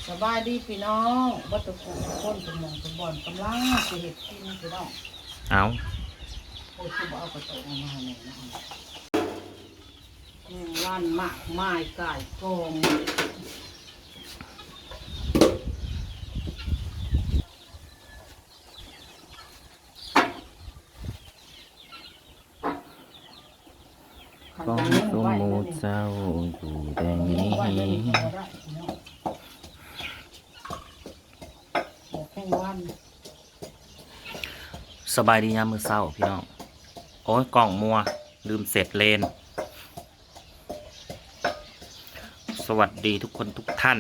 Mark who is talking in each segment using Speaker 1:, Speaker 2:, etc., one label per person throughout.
Speaker 1: สบายดีพี่น้องวัตถุกุคนสมองสมบอนกำลังจะเห็ดกินพี่น้อง
Speaker 2: เอา
Speaker 1: โอ้ยคือบอกเอากระโตกมาให้หน่อยนะว่านมากไม้ไก่กอง
Speaker 2: ของสมมุติเจ้าอยู่แดงนี้สบายดียามมื้อเช้าพี่น้องโอ้ยกล่องมัวลืมเสร็จเลนสวัสดีทุกคนทุกท่าน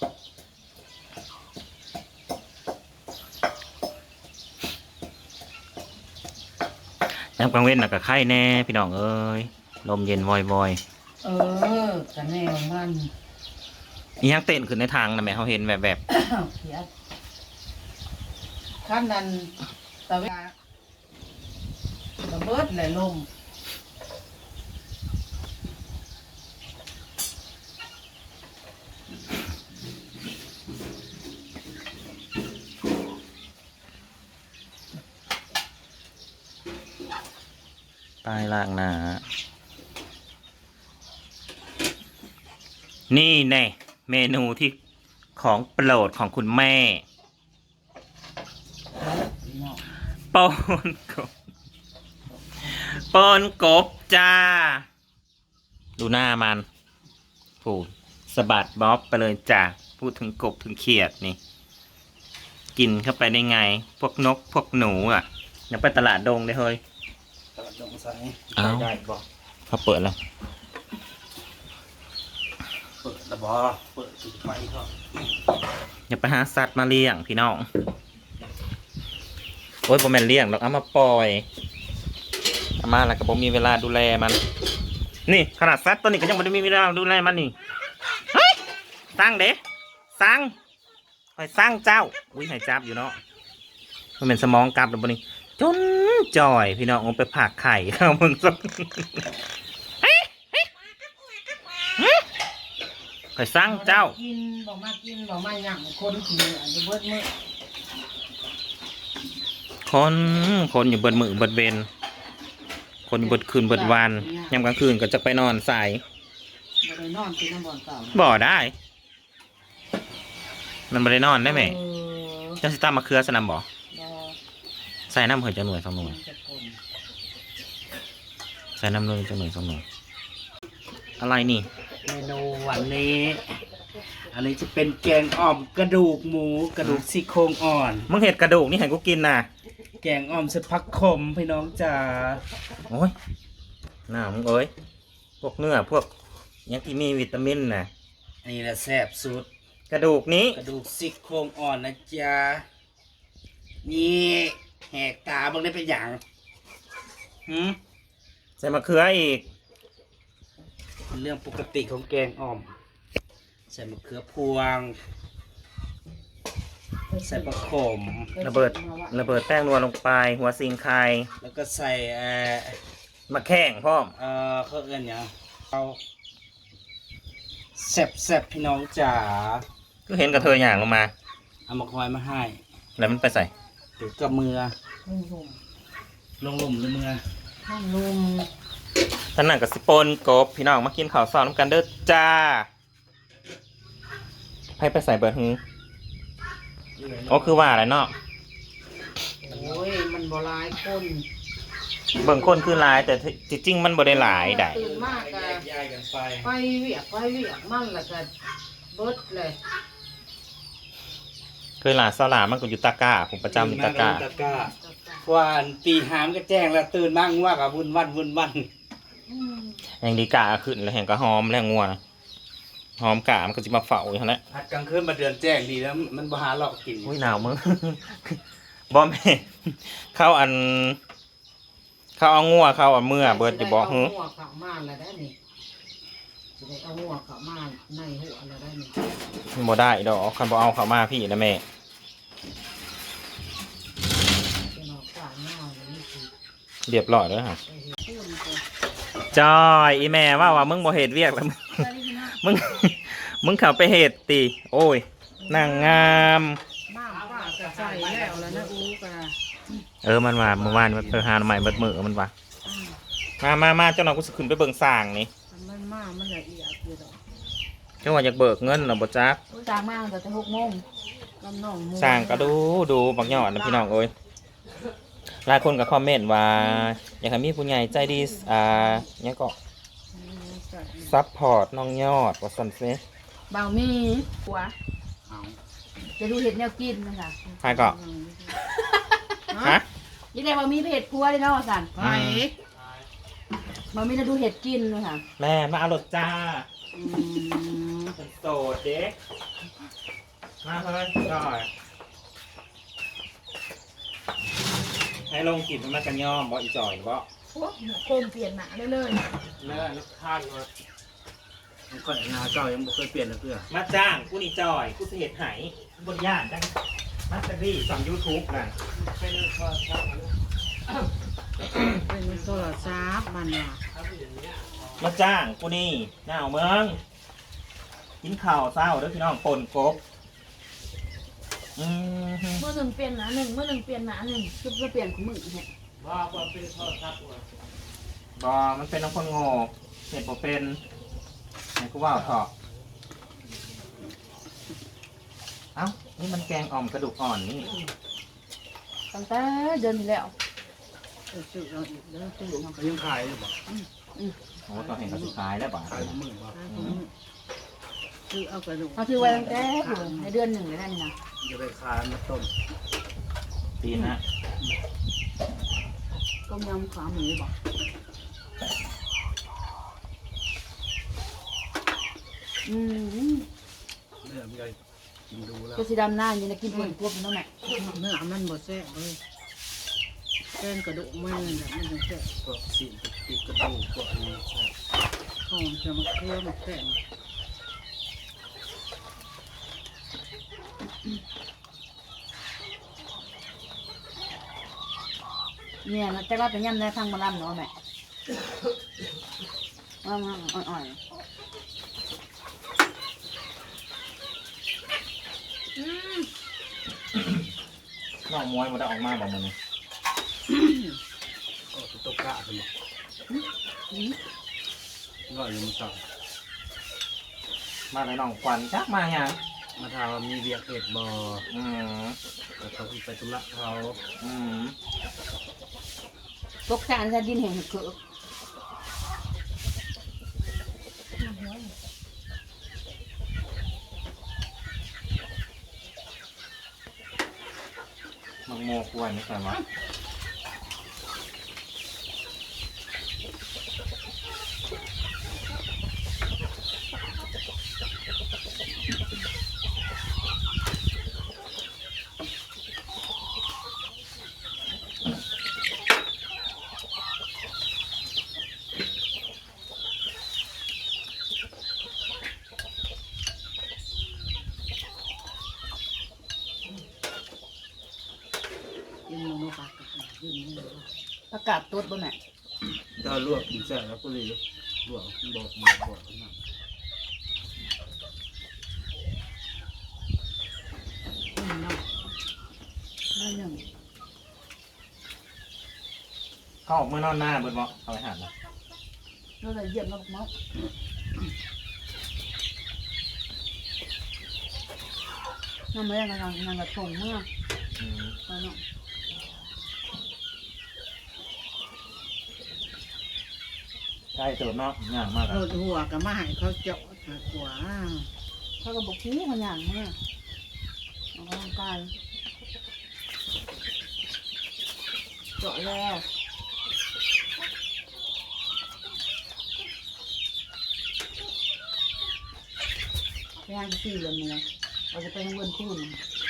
Speaker 2: ยามกลางเว้นน่ะก็ไข้แน่พี่น้องเอ้ยลมเย็นวอย
Speaker 1: กระแนวมัน
Speaker 2: นี่ยังเต้นขึ้นในทางนะแม่เขาเห็นแบบ
Speaker 1: เขียดขั้นนั้นตะเวาระเบิดไหลลม
Speaker 2: ใต้ล่างหนานี่แน่เมนูที่ของโปรดของคุณแม่ปนกบปนกบจ้าดูหน้ามันผูดสะบัดบ๊อบไปเลยจ้าพูดถึงกบถึงเขียดนี่กินเข้าไปได้ไงพวกนกพวกหนูอ่ะยังไปตลาดดงได้เฮ้ย
Speaker 1: ตลาดดงใส่
Speaker 2: ได้บอกเขาเปิดแล้ว
Speaker 1: เปิดระบอเปิดจุดไฟเขา
Speaker 2: อย่าไปหาสัตว์มาเลี้ยงพี่น้องโอ้ยผมแม่นเลี้ยงเราเอามาปล่อยเอามาแล้วก็ผมมีเวลาดูแลมันนี่ขนาดสัตว์ตัวนี้ก็ยังไม่ได้มีเวลาดูแลมันนี่เฮ้ยสร้างเด้สร้างคอยสร้างเจ้าอุ้ยหายจับอยู่เนาะมันเป็นสมองกลับแล้วบนนี้จนจ่อยพี่น้องเอาไปผักไข่เข้ามึงสักคอยสร้างเจ้า
Speaker 1: กินบอกมากินบอกมาหยั่งคนขี่อาจจะเบิดมือ
Speaker 2: คนอยู่เบิดมือเบิดเบนคนอยู่เบิดคืนเบิดวันยามกลางคืนก็จะไปนอนสาย
Speaker 1: บ่ได้นอนกินน้ำบ่อนเก่า
Speaker 2: บ่ได้มันบ่ได้นอนได้ไหมเจ้าสิตามมาเครือสนามบ่ใส่น้ำเหื่อยจะหน่วย2 หน่วยใส่น้ำเลยจะหน่วย2 หน่วยอะไรนี่
Speaker 1: เมนูวันนี้อันนี้จะเป็นแกงอ่อมกระดูกหมูกระดูกซี่โครงอ่อน
Speaker 2: มึงเห็ดกระดูกนี่ให้กูกินน่ะ
Speaker 1: แกงอ่อมใส่ผักขมพี่น้องจ๋า
Speaker 2: โอ้ยน่ามึงเอ้ยพวกเนื้อพวกยังที่มีวิตามินน่ะ
Speaker 1: อันนี้แหละแซ่บสุด
Speaker 2: กระดูกนี้
Speaker 1: กระดูกซี่โครงอ่อนนะจ๊ะนี่แหกตาบังได้เป็นอย่าง
Speaker 2: ใส่มะเขืออีก
Speaker 1: เป็นเรื่องปกติของแกงอ่อมใส่มะเขือพวงใส่ผักขม
Speaker 2: ระเบิดแป้งนัวลงไปหัวซิงไข่
Speaker 1: แล้วก็ใส่
Speaker 2: มะแข้งพ่อม
Speaker 1: เขาเอื้อนอย่างเอาแซ่บพี่น้องจ๋า
Speaker 2: ก็เห็นกระเทยอย่างลงมา
Speaker 1: เอามาคอยมาให้
Speaker 2: แล้วมันไปใส่
Speaker 1: ถือกับมือลงหลุมหรือมือลง
Speaker 2: ท่านนั่งกับสิปนกบพี่น้องมากินข้าวซอยน้ำกันเด้อจ้าให้ไปใส่เบิร์ดฮึโอ้คือว่าอะไรเนาะ
Speaker 1: โอ้ยมันบ่หลายคน
Speaker 2: เบิ่งคนคือหลายแต่จริงๆมันบ่ได้หลายได้
Speaker 1: ตื่นมากกันไปเวียกมันละกันเบิดเลย
Speaker 2: เคยหลานสลามันก็อยู่ตะก้าผมประจำอยู่ตะก้า
Speaker 1: วันตีหามก็แจ้งแล้วตื่นมั่งว่ากับวุ่นวัน
Speaker 2: แห่งดีกาขึ้นแล้วแห่งก็หอมแล้วงัวนะหอมกามันก็จะมาเฝ้าอยู่แล้ว
Speaker 1: พัดกลางคืนมาเดือนแจ้งดีแล้วมันบ่หาหลอกกิน
Speaker 2: อุ้ยหนาวมึงบอมเข้าเอางัวเข้าเอาเมื่อเบิดจะบอก
Speaker 1: ฮึงัวเข้ามาแล้วได้นี่จะได้เอางัวเข้ามาในหัวแล้วได้นี่
Speaker 2: บ่ได้ดอกคันบ่เอาเข้ามาพี่นะแม่เรียบร้อยแล้วฮะจอยอีแม่ว่ามึงบ่เหตุเวียกแล้วมึงเข้าไปเหตุตีโอ้ยนางงาม
Speaker 3: น้ำป้าจะใส่แล้วแล้วนะอูกะ
Speaker 2: มันว่าเมื่อวานมันหาใหม่เบิดมือมันว่ามาเจ้าหน่อยกูสิขึ้นไปเบิ่งสร้างนี่
Speaker 3: มันมากมันละเอียดอยู่ดอก
Speaker 2: เจ้าว่าอยากเบิกเงินน่ะบ่จัก
Speaker 4: จางมากแต่จะ6 โมง
Speaker 3: กำน้องมู
Speaker 2: สร้างก็ดูบักยอดนะพี่น้องเอ้ยหลายคนก็คอมเมนต์ว่าอยากให้มีผู้ใหญ่ใจดีเนี่ยก็ซัพพอร์ตน้องยอดว่าซั่นซิ
Speaker 4: บ่าวมีหัว
Speaker 1: เอา
Speaker 4: จะดูเห็ดแนวกินนะคะ
Speaker 2: ใครก็ฮะ
Speaker 4: ยี่ได้บ่าวมีเห็ดพัวเลยเนาะสัน
Speaker 3: ไป
Speaker 4: บ่าวมีจะดูเห็ดกินนะคะ
Speaker 2: แม่มาเอารถจ้า
Speaker 3: อืม
Speaker 2: เป็นโสดเด็กมาเพิ่นก่อนให้ลงกินมันกันย่อมบ่อีจ่อยบ่
Speaker 4: โคมเปลี่ยนหนาเลย
Speaker 1: เนื้อลูกค้ามามันก็งาเจ้ายังบ่เคยเปลี่ยนเลยเพื่อ
Speaker 2: มาจ้างกูนี่จ่อยกูสิเฮ็ดให้บนย่านจังมาสเตอรี่สอน YouTube น่ะ
Speaker 3: เป็นโทรศัพท์มันว่ะ
Speaker 2: มาจ้างกูนี่หน้าเอาเมืองกินข้าวเช้าเด้อพี่น้องปนกบฮึ
Speaker 4: เมื่อหนึ่งเปลี่ยนหนาหนึ่งเมื่อหนึ่งเปลี่ยนหนาหนึ่งคือเปลี่ยนของมึงเนี่ย
Speaker 2: บ่มันเป็นน้องคนโง่เฮ็ดบ่เป็นให้กูว่าเถาะเอ้านี่มันแกงอ่อมกระดูกอ่อนนี่
Speaker 4: ตั้งแต่เดือนที่แล้ว
Speaker 3: ซื้อเราอีกเด้อซื้อมา
Speaker 1: เขายังขายอยู่บ่
Speaker 2: โอ้ตอนเห็นเขาสุดท้ายแล้วบ่
Speaker 1: ขายมือบ่
Speaker 3: ซื้อเอากระดูก
Speaker 4: เขาซื้อไว้ตั้งแต่ในเดือนหนึ่งเลยนั่นนะ
Speaker 1: จะไปขายมาต้ม
Speaker 2: ตีนะ
Speaker 4: ต้มยำขาหมูบอกม
Speaker 1: เนื้อมันก็กินดูแล้ว
Speaker 4: ก็สีดำหน้าอยู่ในกินเปลือกกบนั่นแหละ
Speaker 3: เนื้อมันบ่แซ่บเลยแกงกระดูกมันน่ะมันจะแซ่บ
Speaker 1: พวกสิ่งติดกระดูกพวกนี้ใช่
Speaker 3: หอมจะมาเคี่ยวมาแซ่บ
Speaker 4: เนี่ยนะแต่ว่าเป็นยำได้พังมาล่ำเนาะแม่อ่อน
Speaker 2: น้องมวยมันได้ออกมาบอกมันนี่
Speaker 1: ก็คือตกกะไปเลยก็อยู่มาสั่ง
Speaker 2: มาเลยน้องควันจักมาหยัง
Speaker 1: มาถามว่ามีเวียกเอ็ดบ่
Speaker 2: อืม
Speaker 1: แต่เขาคือไปธุระเขา
Speaker 2: อืม
Speaker 4: ๆตกจานจะดินแห่งเขือ
Speaker 2: มังโมกวนนี่ใช่ไหม
Speaker 3: กินหมูปลากระกินเนื้อ
Speaker 4: ประกาศตัวบนแม่
Speaker 1: ถ้าลวกกินแซ่บแล้วก็เลยลวกบอกนะ
Speaker 3: เนาะ
Speaker 4: ได้หนึ่ง
Speaker 2: เขาออกเมื่อนอนหน้าเบิดบอกเอาไปหันนะ
Speaker 4: เราเลยเยี่ยมเราบอกมั้งน้ำไม่ได้กำลังกระทงเมื่อ
Speaker 2: อืม
Speaker 4: ตอนนั้น
Speaker 2: ใกล้เติมเนาะง่ายมาก
Speaker 3: โรดหัวก็มาให้เขาเจาะมากกว่า
Speaker 4: เขาก็บอกพี่มันอย่างเมื่อออกกำลังกายเจาะแล้วไปทางสี่เลยเมื่อเราจะไปทางเวิร์นคูน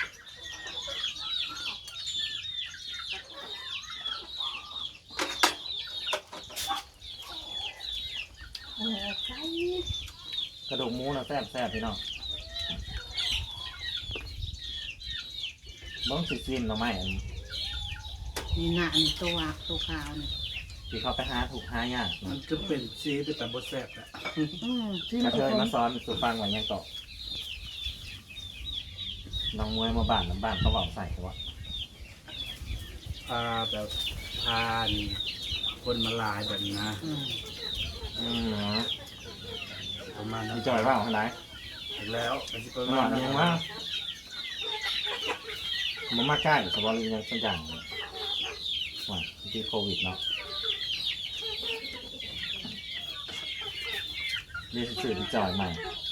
Speaker 4: ใช่
Speaker 2: กระดูกหมูนะแซ่บแซ่บพี่น้องเบิ้งสิซิมเราไหมอัน
Speaker 3: นี่หน้านี่ตัวขาวนี่
Speaker 2: ที่เขาไปหาถูกหายาก
Speaker 1: มันจะเป็นซีเป็นแต่บดแซ่บแหละ
Speaker 4: ที่
Speaker 2: ก
Speaker 4: มั
Speaker 2: ระ
Speaker 4: น
Speaker 2: เทยมาซ้อนสุฟังไว้ยังเกาะน้องมวยมาบ้านน้ำบ้านเขาบอกใส่วะ
Speaker 1: พาแบบพานคนมาลายแบบนี้นะ
Speaker 2: เนาะ
Speaker 1: ประมาณนั้
Speaker 2: มี
Speaker 1: น
Speaker 2: จอยเปล่าขนาด
Speaker 1: อีกแล้วเป็นสิบประ
Speaker 2: หน
Speaker 1: มา
Speaker 2: อ
Speaker 1: ณ
Speaker 2: น
Speaker 1: นั้น
Speaker 2: ยังว่ามันมาใกล้สบอลยังสักอย่างว่าที่โควิดเนาะเรียกสื่อที่จอยใหม่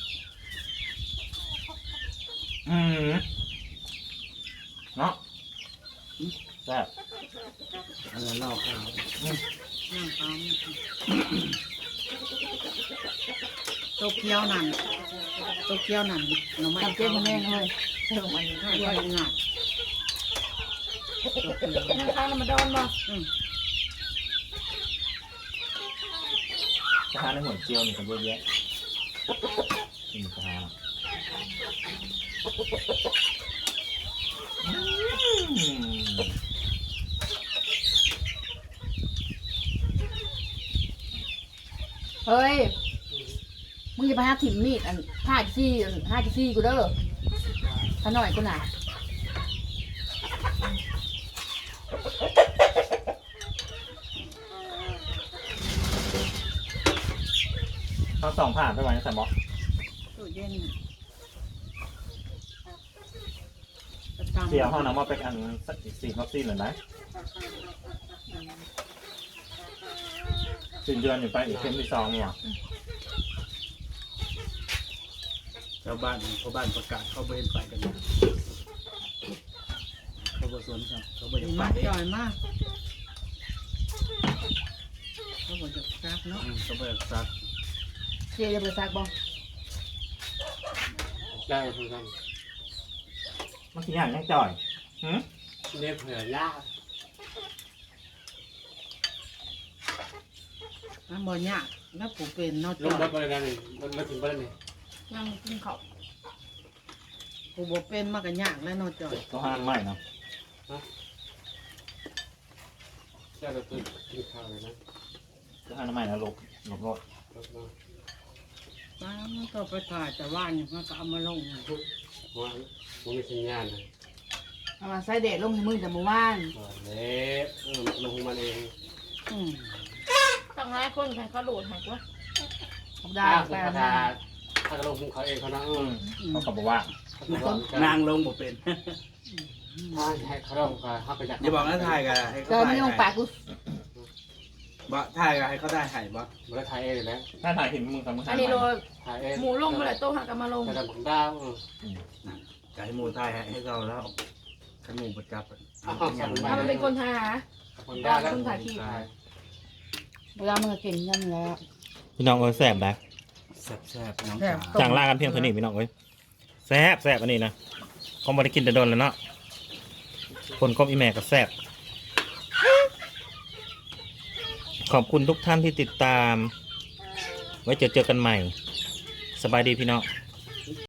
Speaker 2: เนาะแซ่บ
Speaker 1: อันนั้นนอกข้าว
Speaker 3: นั่งเอาโตเกียวนั่นโตเกียวนั่นหน่อไม้
Speaker 4: ทำเจ๊แม่เลยเติมมัน
Speaker 3: ข้าวไว้หนักโตเกียว
Speaker 4: นั่งข้างแล้วมาโดนบ่
Speaker 2: กระทะในหัวเจียวนี่กันเยอะแยะกินกระทะ
Speaker 4: เฮ้ยมึงจะไปหาถิ่มมีดอัน5 จี้กูเด้อถ้าหน่อยกูหนา
Speaker 2: เขาสองผ่านไปวันนี้ใส่บอ
Speaker 3: ตู้เย็น
Speaker 2: เสียห้องน้ำมาเป็นอันสัก4 วัคซีนหรือไงสิ้นเดือนอยู่ไปอีกเข็มที่2เนี่ย
Speaker 1: ชาวบ้านเขาบ้านประกาศเขาไปเห็นไปกันนะเขาบสวนครับเขาไปยังไป
Speaker 3: มากจ่อยมากเขาบอกจะซักเนาะ
Speaker 1: เขาไปซัก
Speaker 4: เจ๊จะไปซักบ่
Speaker 1: ได้เหมือนกัน
Speaker 2: มันกี่อย่างยังจ่อย
Speaker 1: เรียกเผื่อยาก
Speaker 3: น้ำบ่ยากแล้วผมเป็นเนาะ
Speaker 1: ล
Speaker 3: จ่
Speaker 1: ง
Speaker 3: อย
Speaker 1: รถไปเลยนะนี่มาถึงบ้านนี่
Speaker 4: ยังกินข้าว
Speaker 3: ผมบ่เป็นมากกันยากแล้วเนาะจ่อย
Speaker 2: ก็ห้ามไม่เนาะ
Speaker 1: แค่เราตื่นกินข้าวเลยนะ
Speaker 2: ก็ห้ามไม่นะหลบรถ
Speaker 3: ป้ามันก็ไปถ่ายแต่ว่านอยู่มันก็เอามาลง
Speaker 1: ว่ามันมีสัญญาณนะ
Speaker 4: เอามาใส่เด็ดลงให้มึงแต่เมื่อวาน
Speaker 1: เละลงมันเอง
Speaker 3: อืม
Speaker 4: ตั้งหลายคนใครเขาโหลดให้กูได้
Speaker 1: ถ้า
Speaker 4: ไป
Speaker 1: คุณ
Speaker 4: เอา
Speaker 1: ถ้าลงเขาเองเขานะ
Speaker 2: เขาก็บอกว่า
Speaker 1: นางลงบ่เป็นถ้าให้เขาลงเขาไปจาก
Speaker 5: อย่าบอกนะถ่ายกันให้
Speaker 4: เจอ
Speaker 5: เขา
Speaker 4: ไม่
Speaker 5: ถ่าย
Speaker 4: ลงปากกู
Speaker 5: บ่ถ่ายกันให้เขาได้ถ่ายบ่
Speaker 1: มันก็ถ่ายเองแล้ว
Speaker 2: ถ้าถ่ายเห็นมึงทำมึง
Speaker 4: อันนี้โล
Speaker 1: ถ่ายเอง
Speaker 4: หมูลงมาเลยโต๊ะหักกันมาลง
Speaker 1: แต่ทำของดาว
Speaker 5: จะให้หมูถ่ายให้เขาแล้วให้หมูประจับ
Speaker 4: ถ้ามันเป็นคนทาหา
Speaker 1: ของดาวแล้ว
Speaker 4: เวลามันก็เก่งยันแล้ว
Speaker 2: พี่น้องเอ้ยแซ่บได้
Speaker 5: แซ่บๆน้อง
Speaker 3: แซ่บ
Speaker 5: จ๋า
Speaker 2: จางล่ากันเพียงเท่านี้พี่น้องเอ้ยแซ่บอันนี้นะเขาไม่ได้กินแต่โดนแล้วเนาะคนก็อีแม่ก็แซ่บขอบคุณทุกท่านที่ติดตาม ไว้เจอกันใหม่ สบายดีพี่น้อง